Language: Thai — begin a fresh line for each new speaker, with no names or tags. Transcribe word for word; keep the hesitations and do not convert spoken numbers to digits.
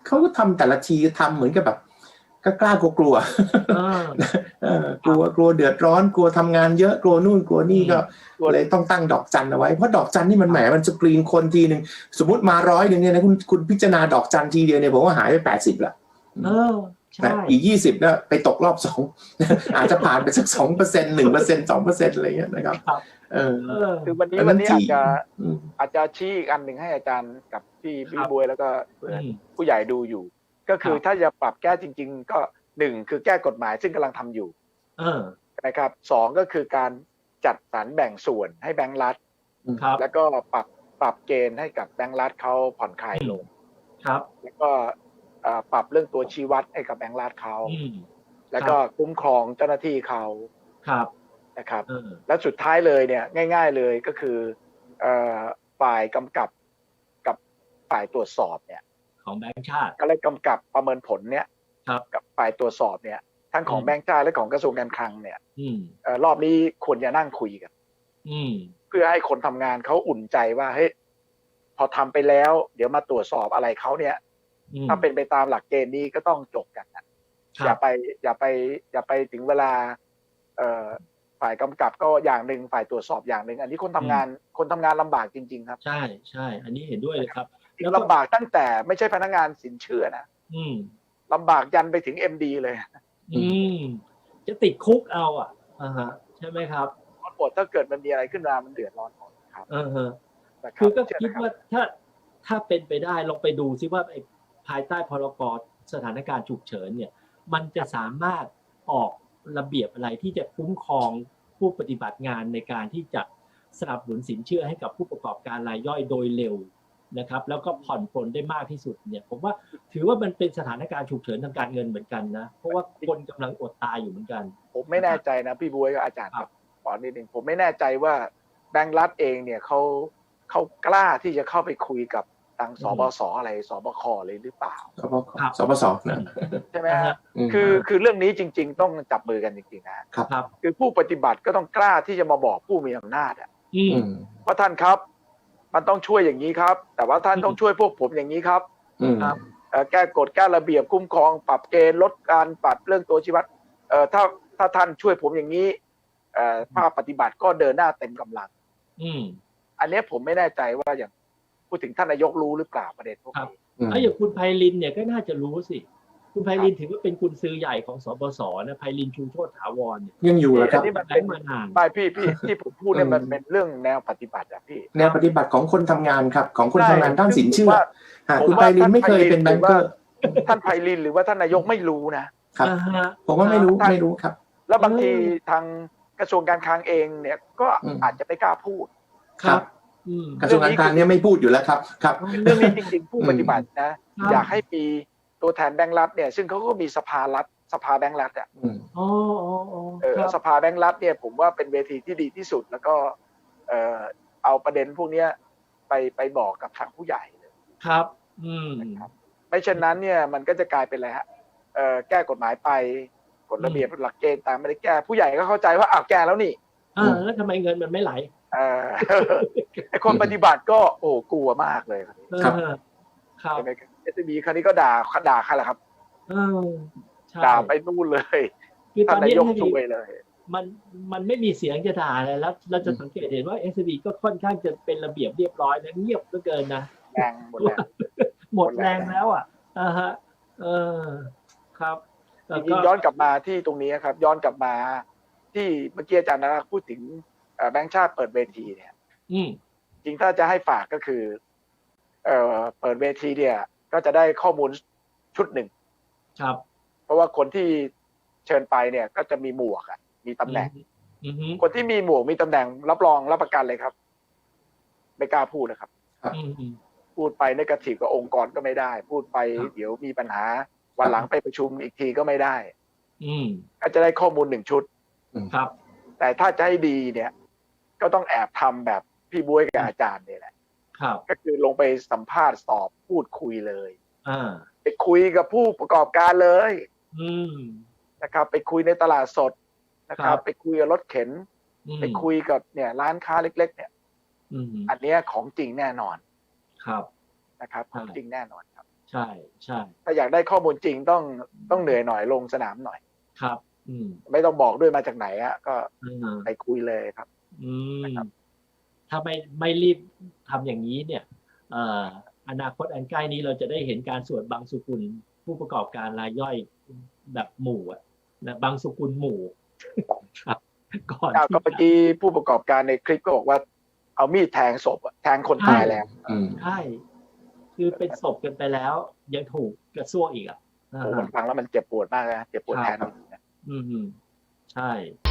เขาก็ทำแต่ละทีทำเหมือนกับแบบก็กล้ากลัวกลัวกลัวกลัวเดือดร้อนกลัวทำงานเยอะกลัวนู่นกลัวนี่ก็เลยต้องตั้งดอกจันเอาไว้เพราะดอกจันนี่มันแหมมันสกรีนคนทีหนึ่งสมมติมาร้อยหนึ่งเนี่ยนะคุณคุณพิจารณาดอกจันทีเดียวเนี่ยผมว่าหายไปแปดสิบละแต่อีกยี่สิบเนี่ยไปตกรอบสองอาจจะผ่านไปสักสองเปอร์เซ็นต์หนึ่งเปอร์เซ็นต์สองเปอร์เซ็นต์อะไรเงี้ยนะครับเออ
คือวันนี้วันนี้อาจจะอาจจะชี้อีกอันหนึ่งให้อาจารย์กับพี่พี่บวยแล้วก็ผู้ใหญ่ดูอยู่ก็คือถ้าจะปรับแก้จริงๆก็หนึ่งคือแก้กฎหมายซึ่งกำลังทำอยู่นะครับสองก็คือการจัดสรรแบ่งส่วนให้แบงก์รัฐแล้วก็ปรับปรับเกณฑ์ให้กับแบงก์รัฐเขาผ่อนคลายลงแล้วก็ปรับเรื่องตัวชี้วัดให้กับแบงก์รัฐเขาแล้วก็คุ้มครองเจ้าหน้าที่เขานะครับและสุดท้ายเลยเนี่ยง่ายๆเลยก็คือฝ่ายกำกับกับฝ่ายตรวจสอบเนี่ย
ของแบงก์ชาติ
ก็เลยกำกับประเมินผลเนี่ยกับฝ่ายตรวจสอบเนี่ยทั้งของแบงก์ชาติและของกระทรวงการคลังเนี่ยรอบนี้ควรจะนั่งคุยกันเพื่อให้คนทำงานเขาอุ่นใจว่าเฮ้ยพอทำไปแล้วเดี๋ยวมาตรวจสอบอะไรเขาเนี่ยถ้าเป็นไปตามหลักเกณฑ์นี้ก็ต้องจบกันนะอย่าไปอย่าไปอย่าไปถึงเวลาฝ่ายกำกับก็อย่างหนึ่งฝ่ายตรวจสอบอย่างหนึ่งอันนี้คนทำงานคนทำงานลำบากจริงๆครับ
ใช่ใช่อันนี้เห็นด้วยเลยครับ
ลำบากตั้งแต่ไม่ใช่พนักงานสินเชื่อนะลำบากยันไปถึง เอ็ม ดี เลย
อืมจะติดคุกเอาอ่ะอ่าฮะใช่ไหมครับ
ร้อนปวดถ้าเกิดมันมีอะไรขึ้นมามันเดือดร้อนหมดครับ
เออฮะคือก็คิดว่าถ้าถ้าเป็นไปได้ลองไปดูซิว่าไอ้ภายใต้พรกสถานการณ์ฉุกเฉินเนี่ยมันจะสามารถออกระเบียบอะไรที่จะคุ้มครองผู้ปฏิบัติงานในการที่จะสนับสนุนสินเชื่อให้กับผู้ประกอบการรายย่อยโดยเร็วนะครับแล้วก็ผ่อนปลนได้มากที่สุดเนี่ยผมว่าถือว่ามันเป็นสถานการณ์ฉุกเฉินทางการเงินเหมือนกันนะเพราะว่าคนกำลังอดตายอยู่เหมือนกัน
ผมไม่แน่ใจนะพี่บ๊วยกับอาจารย์ครับขอนิดนึงผมไม่แน่ใจว่าแบงก์รัฐเองเนี่ยเขาเขากล้าที่จะเข้าไปคุยกับทางสบสอะไรสบคเลยหรือเปล่า
สบสนะ
ใช่ไหมฮะคือคือเรื่องนี้จริงๆต้องจับมือกันจริงๆนะครับคือผู้ปฏิบัติก็ต้องกล้าที่จะมาบอกผู้มีอำนาจอ่ะว่าท่านครับมันต้องช่วยอย่างนี้ครับแต่ว่าท่านต้องช่วยพวกผมอย่างนี้ครับแก้กฎแก้ระเบียบคุ้มครองปรับเกณฑ์ลดการปรับเรื่องตัวชี้วัดถ้าถ้าท่านช่วยผมอย่างนี้ภาคปฏิบัติก็เดินหน้าเต็มกำลังอันนี้ผมไม่แน่ใจว่าอย่างพูดถึงท่านนายกรู้หรือเปล่าประเด็นพวกนี้
ถ้าอย่างคุณไพลินเนี่ยก็น่าจะรู้สิคุณไพลินถือว่าเป็นกุญซือใหญ่ของสบสนะไพลินชูโชติถาวรเนี่ย
ยังอยู่แล้วครับ
นี่มันเป็นมานานไปพี่พี่ที่ผมพูดเนี่ยมันเป็นเรื่องแนวปฏิบัติอะพี่
แนวปฏิบัติของคนทำงานครับของคนทำงานด้านสินเชื่อคุณไพลินไม่เคยเป็นแบงก์เกอร์
ท่านไพลินหรือว่าท่านนายกไม่รู้นะครับ
ผมว่าไม่รู้ไม่รู้ครับ
แล้วบางทีทางกระทรวงการคลังเองเนี่ยก็อาจจะไม่กล้าพูด
ครับกระทรวงการคลังเนี่ยไม่พูดอยู่แล้วครับครับ
เรื่องนี้จริงๆผู้ปฏิบัตินะอยากให้มีตัวแทนแบงก์รัฐเนี่ยซึ่งเขาก็มีสภารัฐสภาแบงก์รัฐอ่ะ
อ๋อ
เออสภาแบงก์รัฐเนี่ยผมว่าเป็นเวทีที่ดีที่สุดแล้วก็เอ่อเอาประเด็นพวกนี้ไปไปบอกกับทางผู้ใหญ่เลย
ครับอืม
ไม่เช่นนั้นเนี่ยมันก็จะกลายเป็นอะไรฮะเอ่อแก้กฎหมายไปกฎระเบียบหลักเกณฑ์ตามไม่ได้แก้ผู้ใหญ่ก็เข้าใจว่าอ้าวแก้แล้วนี่
อ่าแล้วทำไมเงินมันไม่ไหล
เออไอคนปฏิบัติก็โอ้กลัวมากเลย
ครับครับ
ใช่ไหมเอสบีครั้งนี้ก็ด่าด่าใครล่ะครับ
เออ
ด่าไปนู่นเลย
คือตอนนี้
ช่วยเลย
มันมันไม่มีเสียงจะด่าอะไรแล้วเราจะสังเกตเห็นว่า เอส บี ก็ค่อนข้างจะเป็นระเบียบเรียบร้อยและเงียบเหลือเกินนะ
แรงหมดแรง
หมดแรงแล้วอ่ะอ่าฮะเออครับ
จริงๆย้อนกลับมาที่ตรงนี้ครับย้อนกลับมาที่เมื่อกี้อาจารย์นะพูดถึงแบงก์ชาติเปิดเวทีเนี่ยจริงถ้าจะให้ฝากก็คือเอ่อเปิดเวทีเนี่ยก็จะได้ข้อมูลชุดหนึ่ง
ครับ
เพราะว่าคนที่เชิญไปเนี่ยก็จะมีหมวกอ่ะมีตำแหน่งคนที่มีหมวกมีตำแหน่งรับรองรับประกันเลยครับไม่กล้าพูดนะครับพูดไปในกระถิ่กับองค์กรก็ไม่ได้พูดไปเดี๋ยวมีปัญหาวันหลังไปประชุมอีกทีก็ไม่ได้ก็จะได้ข้อมูลหนึ่งชุด
ครับ
แต่ถ้าจะให้ดีเนี่ยก็ต้องแอบทำแบบพี่บ๊วยกับอาจารย์เนี่ยแหละก็คือลงไปสัมภาษณ์สอบพูดคุยเลยไปคุยกับผู้ประกอบการเลยนะครับไปคุยในตลาดสดนะครับไปคุยกับรถเข็นไปคุยกับเนี่ยร้านค้าเล็กๆเนี่ยอันนี้ของจริงแน่นอน
ครับ
นะครับของจริงแน่นอนครับ
ใช่ใช่
ถ้าอยากได้ข้อมูลจริงต้องต้องเหนื่อยหน่อยลงสนามหน่อย
ครับ อืม
ไม่ต้องบอกด้วยมาจากไหนอะก็
อืม
ไปคุยเลยครับ
อืม
นะครับ
ถ้าไม่ไม่รีบทำอย่างนี้เนี่ยเอ่ออนาคตอันใกล้นี้เราจะได้เห็นการสวดบางสุกุลผู้ประกอบการรายย่อยแบบหมู่อะนะบางสุกุลหมู่ ครับก่อน
อ้าว
ที่
ก็เมื่อกี้ผู้ประกอบการในคลิปก็บอกว่าเอามีดแทงศพอะแทงคนตายแล้ว
อืม
ใช่ คือเป็นศพกันไปแล้ว ยังถูกกระซวกอีกอ่ะ
โอ้มันฟังแล้วมันเจ็บปวดมากนะเจ็บปวดแทนเรา
อืม ใช่